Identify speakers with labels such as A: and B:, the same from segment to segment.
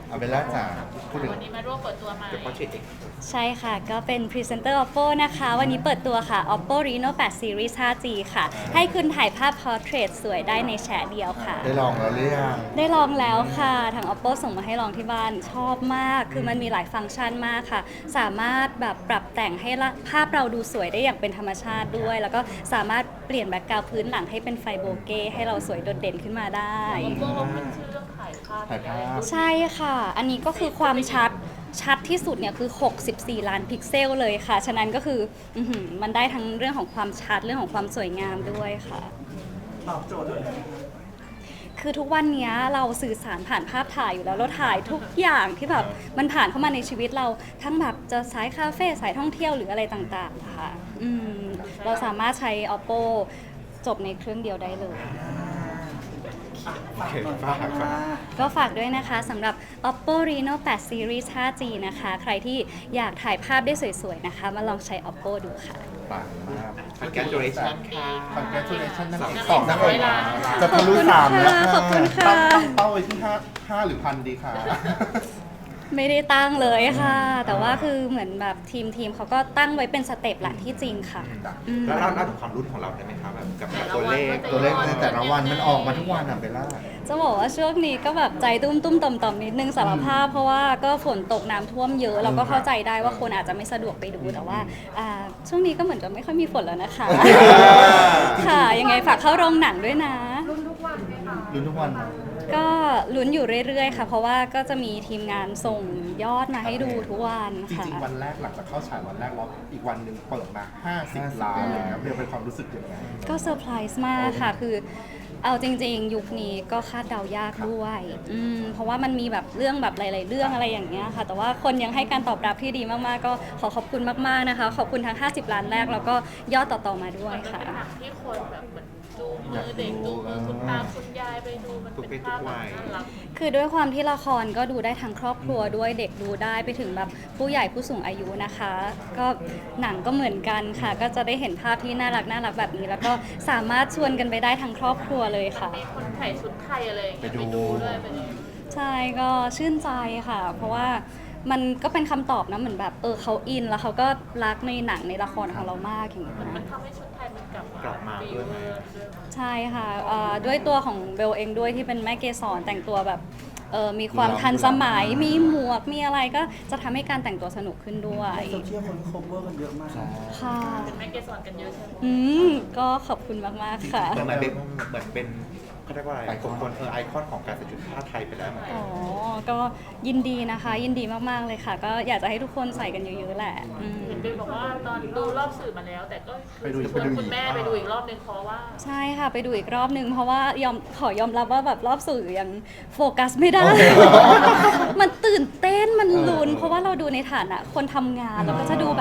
A: เอาเบลล่าจ๋าพูดถึง
B: วันนี้มาร่วมเปิดตัวใหม่
A: เดี๋ยวพ่อเช็ดเอง
C: ใช่ค่ะ ก็เป็นพรีเซนเตอร์ Oppo นะคะ วันนี้เปิดตัวค่ะ Oppo Reno 8 Series 5G ค่ะ ให้คุณถ่ายภาพ Portrait สวยได้ในแชะเดียวค่ะ
A: ได้ลองแล้วหรือยัง
C: ได้ลองแล้วค่ะ ทาง Oppo ส่งมาให้ลองที่บ้านชอบมาก คือมันมีหลายฟังก์ชันมากค่ะ สามารถแบบปรับแต่งให้ภาพเราดูสวยได้อย่างเป็นธรรมชาติด้วย แล้วก็สามารถเปลี่ยนแบ็คกราวด์พื้นหลังให้เป็นไฟโบเก้ให้เราสวยโดดเด่นขึ้นมาได้
B: โลกขึ้นชื่อเรื่องถ่ายภาพ
A: ถ่ายภาพ
C: ใช่ค่ะ อันนี้ก็คือความชัดที่สุดเนี่ยคือ 64 ล้านพิกเซลเลยค่ะ ฉะนั้นก็คือมันได้ทั้งเรื่องของความชัดเรื่องของความสวยงามด้วยค่ะ
D: ตอบโจทย์เลย
C: คือทุกวันนี้เราสื่อสารผ่านภาพถ่ายอยู่แล้วเราถ่ายทุกอย่างที่แบบมันผ่านเข้ามาในชีวิตเราทั้งแบบจะสายคาเฟ่สายท่องเที่ยวหรืออะไรต่างๆค่ะเราสามารถใช้ Oppo จบในเครื่องเดียวได้เลย
A: โอเคฝากฝาก
C: ก็ฝากด้วยนะคะสำหรับ Oppo Reno 8 Series 5G นะคะ ใครที่อยากถ่ายภาพได้สวยๆนะคะ มาลองใช้ Oppo ดูค่ะ
A: ปังมาก Congratulation ค่ะ Congratulation นั่น
B: สอง
A: นะ
B: ร้อยล้าน
A: จะทะลุ3แล้ว
C: ขอบคุณค่ะ
A: ตั้งเป้าไว้ที่5หรือ1,000ดีค่ะ
C: ไม่ได้ตั้งเลยค่ะ แต่ว่าคือเหมือนแบบทีมเขาก็ตั้งไว้เป็นสเต็ปแหละที่จริงค่ะ
E: แล้วเล่าถึงความรู้ของเราได้ไหมครับแบบกับตัวเลข
A: ตัวเลขในแต่ละวันมันออกมาทุกวันอ่ะเบลล่า
C: จะบอกว่าช่วงนี้ก็แบบใจตุ้มๆต่อมๆนิดนึงสารภาพเพราะว่าก็ฝนตกน้ำท่วมเยอะเราก็เข้าใจได้ว่าคนอาจจะไม่สะดวกไปดูแต่ว่าช่วงนี้ก็เหมือนจะไม่ค่อยมีฝนแล้วนะคะ ค่ะยังไงฝากเข้าโรงหนังด้วยนะ
A: ลุ้นทุกวันนะ
C: ก็ลุ้นอยู่เรื่อยๆค่ะ เพราะว่าก็จะมีทีมงานส่งยอดมาให้ดูทุกวัน
F: จ
C: ค่ะ
F: ริงๆ วันแรกหลังจากเข้าฉายวันแรกแล้วอีกวันหนึ่งเปิดมา 50 ล้านเลยครับเรียกเป็นความรู้สึกยังไง
C: ก็เซอร์ไพรส์มากค่ะ คือเอาจริงๆ ยุคนี้ก็คาดเดายากด้วยเพราะว่ามันมีแบบเรื่องแบบหลายๆเรื่องอะไรอย่างเงี้ยค่ะ แต่ว่าคนยังให้การตอบรับที่ดีมากๆ ก็ขอขอบคุณมากๆนะคะ ขอบคุณทั้ง 50 ล้านแรกแล้วก็ยอดต่อๆมาด้วย
B: มันเป็น
C: ค่ะ
B: หนังที่คนแบบเหมือนจูงมือเด็กจูงมือคุณตาคุณยายไปดูมันเป็นภาพแบบน่ารัก
C: คือด้วยความที่ละครก็ดูได้ทั้งครอบครัวด้วยเด็กดูได้ไปถึงแบบผู้ใหญ่ผู้สูงอายุนะคะ ก็หนังก็เหมือนกันค่ะ ก็จะได้เห็นภาพที่น่ารักแบบนี้ แล้วก็สามารถชวนกันไปได้ทั้งครอบครัวเลยค่ะ
B: มีคนถ่ายชุดไทยอะไรอย่างเงี้ย
A: ไป
B: ไป
A: ดู
B: ดูด้วยไปดู
C: ใช่ก็ชื่นใจค่ะ เพราะว่ามันก็เป็นคำตอบนะเหมือนแบบเขาอินแล้วเขาก็รักในหนังในละครของเรามากอย่างเงี้ย
B: มัน
C: นะ
B: ทำให้ชุดไทยมันกลับ
E: กลับมาด้วยไหม
C: ใช่ค่ะด้วยตัวของเบลเองด้วยที่เป็นแม่เกสรแต่งตัวแบบมีความทันสมัยมีหมวกมีอะไรก็จะทำให้การแต่งตัวสนุกขึ้นด้วย
D: โซเชียลคนโคเวอร์กันเยอะมาก
C: ค่ะ
B: เป็นแม่เกสรกันเยอะใช่ไหม
C: ก็ขอบคุณมากๆค่ะ
E: เหมือนเป็นเขาเรียกว่าอะไรคนไอคอนของการใส่ชุดผ้าไทยไปแล้วเหมือนกัน
C: อ๋อ ก็ยินดีนะคะ ยินดีมากๆเลยค่ะ ก็อยากจะให้ทุกคนใส่กันเยอะๆแหละ
B: เห็นเบลบอกว่าตอนดูรอบสื่อมาแล้ว แต่ก็
F: ไปดูอีก
B: ชวนคุณแม่ไปดูอีกรอบนึงเพราะว่า
C: ใช่ค่ะ ไปดูอีกรอบนึง เพราะว่ขอยอมรับว่าแบบรอบสื่อยังโฟกัสไม่ได้ มันตื่นเต้นมันลุ้นเพราะว่าเราดูในฐานะคนทำงานเราก็จะดูแบบ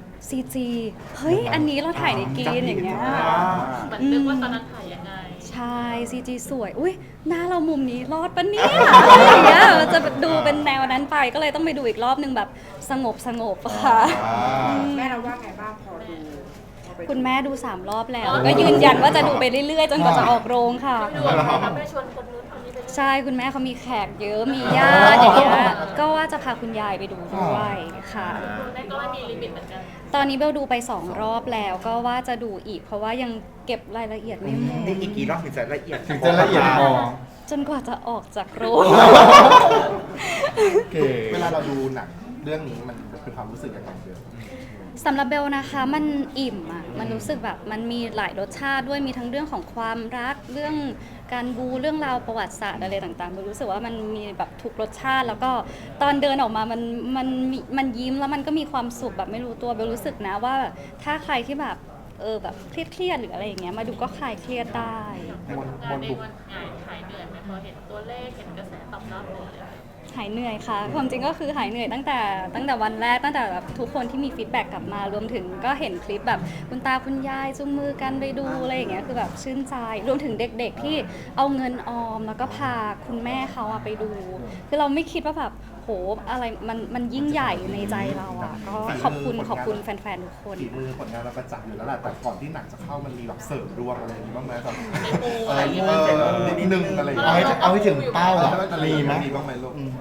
C: CG เฮ้ย อันนี้เราถ่ายในกรีนอย่างเงี้ย
B: เหมือนนึกว่าตอนนั้นถ่ายยังไง
C: ใช่ CG สวย อุ้ยหน้าเรามุมนี้รอดปะเนี่ยอะไรอย่างเงี้ยเราจะดูเป็นแนวนั้นไป ก็เลยต้องไปดูอีกรอบนึงแบบสงบค่ะ
D: แม่เราว่าไงบ้างพอดูพอไป
C: คุณแม่ดู3 รอบแล้ว ก็ยืนยันว่าจะดูไปเรื่อยๆ จนกว่าจะออกโรงค่ะ
B: ไม่ดูอะไรนะไม่ชวนคนนู้นคนนี้ไปดู
C: ใช่คุณแม่เขามีแขกเยอะ มีญาติอย่างเงี้ย ก็ว่าจะพาคุณยายไปดูด้วยค่ะ
B: คุณแม่ก็ไม่มีลิมิตเหมือนกัน
C: ตอนนี้เบลดูไป2 รอบแล้ว ก็ว่าจะดูอีก เพราะว่ายังเก็บรายละเอียดไม่หมด
E: นี่อีกกี่รอบถึงจะละเอียด
A: ถึงจะละเอียดพอ
C: จนกว่าจะออกจากโรง
A: โอเค
F: เวลาเราดูหนังเรื่องนี้มันเป็นความรู้สึกยังไงเบล
C: สำหรับเบลนะคะมันอิ่มอ่ะมันรู้สึกแบบมันมีหลายรสชาติด้วยมีทั้งเรื่องของความรักเรื่องการบูเรื่องราวประวัติศาสตร์อะไรต่างๆเบลรู้สึกว่ามันมีแบบทุกรสชาติ แล้วก็ตอนเดินออกมามันยิ้มแล้วมันก็มีความสุขแบบไม่รู้ตัวเบลรู้สึกนะว่าถ้าใครที่แบบแบบเครียดๆหรืออะไรอย่างเงี้ยมาดูก็คลายเครียดได้
B: ทำงานเองมันหายเหนื่อยไหมพอเห็นตัวเลขเห็นกระแสตอบรับเลย
C: หายเหนื่อยค่ะความจริงก็คือหายเหนื่อยตั้งแต่วันแรกตั้งแต่แบบทุกคนที่มีฟีดแบ็กกลับมารวมถึงก็เห็นคลิปแบบคุณตาคุณยายจุงมือกันไปดูอะไรอย่างเงี้ยคือแบบชื่นใจรวมถึงเด็กๆที่เอาเงินออมแล้วก็พาคุณแม่เขาไปดู คือเราไม่คิดว่าแบบโหอะไรมันยิ่งใหญ่ในใจเราอ่ะก็ขอบคุณแฟนๆทุกคน
F: ฝีมือผลงานเราประจักษ์อยู่แล้วแหละแต่ก่อนที่หนังจะเข้ามันมีแบบเสริมดวงอะไรอย่างนี้บ้างไหมแบบ
B: อะไรอย่างเงี้ย
F: นิดนึงอะไรอย่าง
A: เอา
F: เงี้ย
A: ให้ถึงเป้าอ่ะมีไหม
F: มีบ้างไหมลูก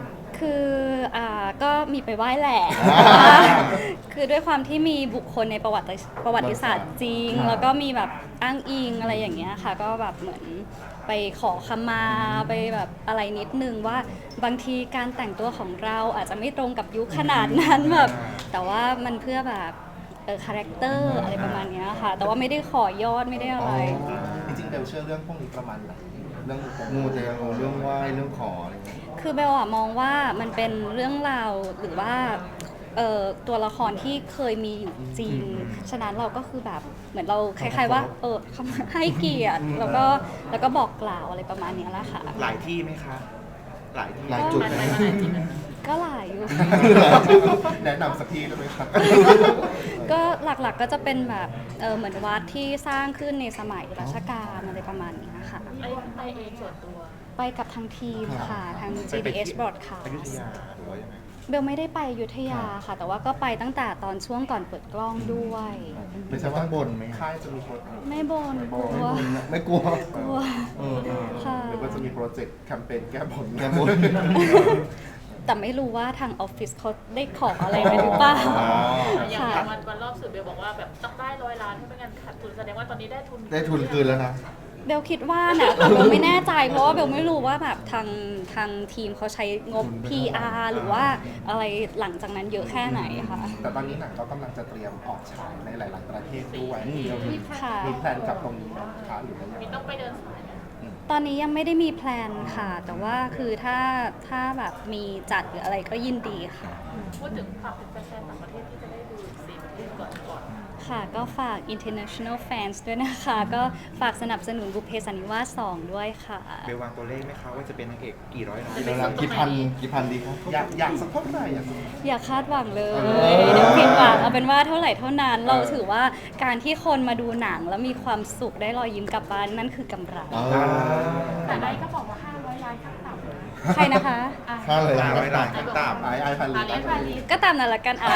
C: คือก็มีไปไหว้แหละ คือด้วยความที่มีบุคคลในประวัติศาสตร์จริง แล้วก็มีแบบอ้างอิงอะไรอย่างเงี้ยค่ะ ก็แบบเหมือนไปขอขมาไปแบบอะไรนิดนึงว่าบางทีการแต่งตัวของเราอาจจะไม่ตรงกับยุคขนาดนั้นแบบแต่ว่ามันเพื่อแบบคาแรคเตอร์อะไรประมาณเนี้ยค่ะ แต่ว่าไม่ได้ขอยอดไม่ได้อะไร
F: จริงๆเบลเชื่อเรื่องพวกนี้ประมาณไหนเรื่อง
A: มูเตลูเรื่องไหว้เรื่องขออะไรเงี้ย
C: คือเบลอะมองว่ามันเป็นเรื่องราวหรือว่าตัวละครที่เคยมีอยู่จริง ฉะนั้นเราก็คือแบบเหมือนเราคล้ายๆว่าเขาให้เกียรติแล้วก็บอกกล่าวอะไรประมาณเนี้ยแหละค่ะ
E: หลายที่ไหมคะ หลายที่
A: หลายจุด
B: มันไปมาหลายที่นะ
C: ก็หลายอยู่
F: แนะนำสักที่ได้ไหมครับ
C: ก็หลักๆก็จะเป็นแบบเหมือนวัดที่สร้างขึ้นในสมัยรัชกาลอะไรประมาณนี้ค่ะ
B: ไปเองส่วนตัว
C: ไปกับทางทีมค่ะทาง GDS Broadcast
E: อยุธยาหรือว่ายังไง
C: เบลไม่ได้ไปอยุธยาค่ะ แต่ว่าก็ไปตั้งแต่ตอนช่วงก่อนเปิดกล้องด้วย
A: ไม่ใช่ว่าบนไหม
F: ค่ายจะมีโปร
C: ไม่บนกลัว
A: ไม่กลัว
C: กลัวค่ะ
F: หรือว่าจะมีโปรเจกต์แคมเปญแก้บน
A: แก้บน
C: แต่ไม่รู้ว่าทางออฟฟิศเขาได้ขออะไรไปหรือเปล่า
B: อย่าง
C: ค่ะ
B: วันรอบสื่อเบลบอกว่าแบบต้องได้100 ล้านถ้าไม่งั้นขาดทุนแสดงว่าตอนนี้ได้ทุน
A: ได้ทุนคืนแล้วนะ
C: เบลคิดว่านะแต่เบลไม่แน่ใจเพราะว่าเบลไม่รู้ว่าแบบทางทีมเขาใช้งบ PR หรือว่าอะไรหลังจากนั้นเยอะแค่ไหนค่ะ
F: แต่ตอนนี้หนังก็กำลังจะเตรียมออกฉายในหลาย ๆ ประเทศด้วย
C: ค่ะ
F: มีแพลนกับตรงนี้ไหมคะหรือว่ายัง
B: มี
F: ไง
B: ต้องไปเดินสายไหม
C: ตอนนี้ยังไม่ได้มีแพลนค่ะ แต่ว่าคือถ้าแบบมีจัดหรืออะไรก็ยินดีค่ะ
B: พูดถึงฝากถึงแฟนๆต่างประเทศที่จะได้ดู4ประเทศก่อน
C: ค่ะก็ฝาก international fans ด้วยนะคะ ก็ฝากสนับสนุนบุพเพสันนิวาส2ด้วยค่ะ
E: เบลวางตัวเลขไหมคะว่าจะเป็นนางเอกกี่ร้อยล้าน
A: เดี๋ยวนะกี่พันดีครับ
F: อยากสักเท่าไหร่อยากสัก
C: อย่าคาดหวังเลย เดี๋ยวผิดหวังเอาเป็นว่าเท่าไหร่เท่านั้น เราถือว่าการที่คนมาดูหนังแล้วมีความสุขได้รอยยิ้มกลับบ้านนั่นคือกำไร
D: แต่ไอ้ก็บอกว่า500 ล้านขั้นต่ำนะ
C: ใครนะคะ
A: ค่าเลย
E: ร้
A: นะ
E: อยล้านขั้นต่ำ
F: ไอพันลี
B: อาเลียนพาลี
C: ก็ตามนั้นละกันอ่ะ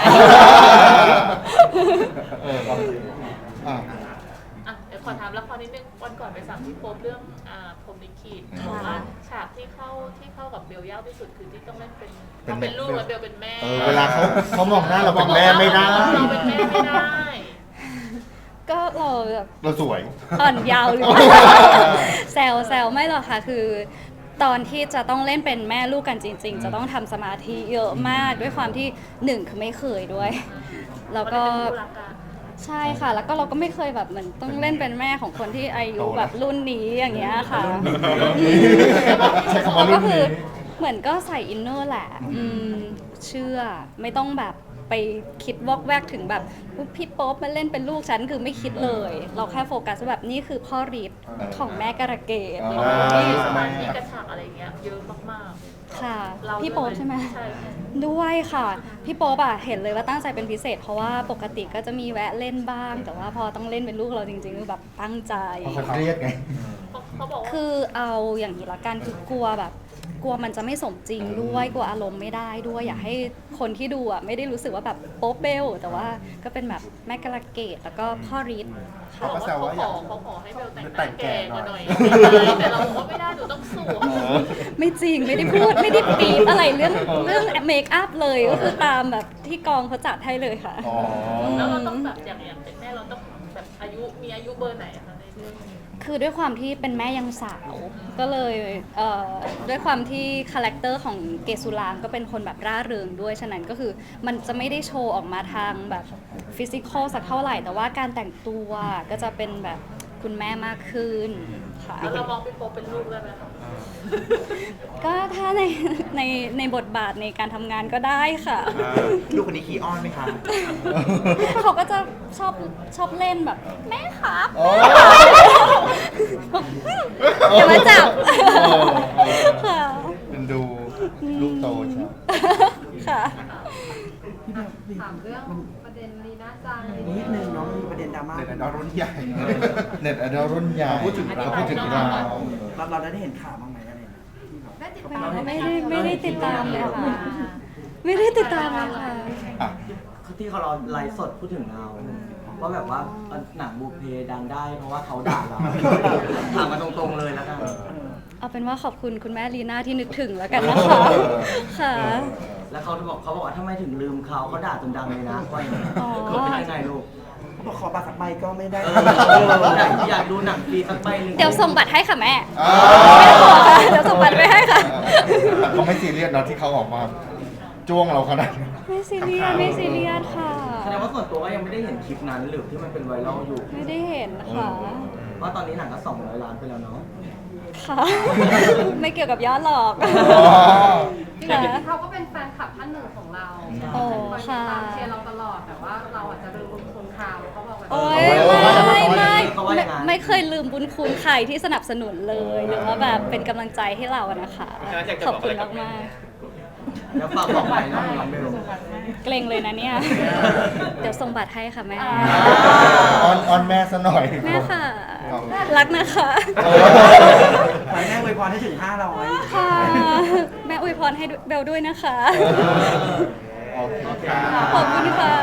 A: อ่ะ
B: อ่ะเดี๋ยวขอถามละครนิดนึงวันก่อนไปสั่งพี่โป๊ปเรื่องพรหมลิขิตบอกว่าฉากที่เข้ากับเบลยากที่สุดคือที่ต้องเล่นเป็นเขาเป็นลูกแล้วเบลเป็นแม่
A: เวลาเขามองหน้าเราเป็นแม่ไม่ได้
B: เราเป็นแม่ไม่ได้
C: ก็เราแบบ
A: เราสวย
C: อ่อนเยาว์หรือว่า แซวไม่หรอกค่ะคือ ตอนที่จะต้องเล่นเป็นแม่ลูกกันจริง ๆ จะต้องทำสมาธิเยอะมากด้วยความที่หนึ่งคือไม่เคยด้วย แล้วก็
B: มันเป็นคู่รักกัน
C: ใช่ค่ะ แล้วก็เราก็ไม่เคยแบบเหมือนต้องเล่นเป็นแม่ของคนที่อายุแบบรุ่นนี้อย่างเงี้ยค่ะ
A: ใช้คำว่ารุ่
C: ก็
A: น
C: คื
A: นี้
C: อเหมือนก็ใส่อินเนอร์แหละเชื่อไม่ต้องแบบไปคิดวอกแวกถึงแบบพี่โป๊ปมาเล่นเป็นลูกฉันคือไม่คิดเลย เราแค่โฟกัสว่าแบบนี่คือพ่อฤทธิ์ของแม่การะเกด
B: มีสมาธิกระฉากอะไรเงี้ยเยอะมาก
C: ค่ะ
B: ๆเรา
C: พี่โป๊ปใช่ไหม
B: ใช่ค่ะ
C: ด้วยค่ะ พี่โป๊ปอะเห็นเลยว่าตั้งใจเป็นพิเศษ เพราะว่าปกติก็จะมีแวะเล่นบ้าง แต่ว่าพอต้องเล่นเป็นลูกเราจริงๆคือแบบตั้งใจ
A: เพราะเขาเครียดไง
B: เขาบอกว่า
C: คือเอาอย่างนี้ละกันคือกลัวแบบกลัวมันจะไม่สมจริงด้วยกลัวอารมณ์ไม่ได้ด้วยอยากให้คนที่ดูอ่ะไม่ได้รู้สึกว่าแบบโป๊ปเบลแต่ว่าก็เป็นแบบแม่กระเกดแล้วก็พ่อฤทธิ์
B: เขาบอกว่าเขาขอให้เบลแต่งหน้าแก่กว่าหน่อยแต่เราบอกว่าไม่ได้หนูต้องสวย
C: ไม่จริงไม่ได้พูดไม่ได้ปีบอะไรเรื่องเมคอัพเลยก็คือตามแบบที่กองเขาจัดให้เลยค่ะ
A: อ๋อ
B: แล้วเราต้องแบบอย่างเป็นแม่เราต้องแบบมีอายุเบอร์ไหนคะในเรื่อง
C: คือด้วยความที่เป็นแม่ยังสาวก็เลยด้วยความที่คาแรคเตอร์ของเกสุรางก็เป็นคนแบบร่าเริงด้วยฉะนั้นก็คือมันจะไม่ได้โชว์ออกมาทางแบบฟิสิกอลสักเท่าไหร่แต่ว่าการแต่งตัวก็จะเป็นแบบคุณแม่มากขึ้นค่ะ
B: แล้วเรามองพี่โป๊ปเป็นลูกได้ไหมคะ
C: ก็ถ้าในบทบาทในการทำงานก็ได้ค่ะ
E: ลูกคนนี้ขี้อ้อนไหมคะ
C: เขาก็จะชอบเล่นแบบแม่ครับ
A: โอ้
C: อย่ามาจับค่ะ
A: เป็นดูลูกโตใช่ไหม
C: ค่ะ
D: ถามเรื่องประเด็นลีน่าจัง
G: นิดนึงเนาะมีประเด็นดราม่า
F: ในระดับรุ่นใหญ่
A: เน็ตไอดอลรุ่นใหญ่
F: พูดถึงเรา
A: พูดถึงเรา
G: เราได้เห็นข่าวบ้างไหมอะไรนะที่แบบ
D: ได้ติด
C: ไม่
D: ตาม
C: ไม่ได้ติดตามเลยค่ะ ไม่ได้ติดตามเลยค่ะ
A: อ่ะ
G: ที่เขาเราไลฟ์สดพูดถึงเราว่าแบบว่าหนังบุพเพดังได้เพราะว่าเขาด่าเราถามมาตรงๆเลยแล้วกัน
C: เอาเป็นว่าขอบคุณคุณแม่ลีน่าที่นึกถึงแล้วกันนะคะค่ะ
G: เขาบอกว่าทำไมถึงลืมเขาด่าจนดังเลยนะว่าอย่างนี้
C: อ๋อ
G: เขาเป็นยังไงลูก
H: บอกขอบัตรสักใบก็ไม่ได้
G: อยากดูหนังฟรีสักใบหนึ่ง
C: เดี๋ยวส่งบัตรให้ค่ะแม่
F: อ่า
C: ไม่ต้องห่วงค่ะเดี๋ยวส่งบัตรไปให้ค่ะ
F: แต่เขาไม่ซีเรียสเนาะที่เขาออกมาจ้วงเราขนาดนี้
C: ไม่ซีเรียสไม่ซีเรียสค่ะ
G: แสดงว่าส่วนตัวก็ยังไม่ได้เห็นคลิปนั้นหรือที่มันเป็นไวรัลอยู่
C: ไม่ได้เห็นค่ะ
G: ว่าตอนนี้หนังก็200 ล้านไปแล้วเนาะ
C: ค่ะ ไม่เกี่ยวกับยอดหรอก
F: อ๋อ
C: ค่ะ
I: เขาก็เป็นแฟนคลับท่านหนึ่งของเรา
C: โอ้
I: คอยติ
C: ค่ะ
I: ดตามเชียร์เราตลอดแต่ว่าเราอาจจะลืมบุญคุณเขาเขาบอกว่า
C: โอ้ย
G: เขาว่าอย่างนั้น
C: ไม่เคยลืมบุญคุณใครที่สนับสนุนเลยหรือว่าแบบเป็นกำลังใจให้เราอะนะคะ ขอบคุณมากมาก
G: แล้วฝากบอกไปน้องเบล
C: ๆเกรงเลยนะเนี่ย เดี๋ยวส่งบัตรให้ค่ะแม่
F: ออนแม่ซะหน่อย
C: แม่ค่ะ รักนะคะ
H: ขอให้แม่อวยพรให้ถึง 500
C: ค่ะ แม่อวยพรให้เบลด้วยนะคะ
F: โอเคค่ะ
C: ขอบคุณค่ะ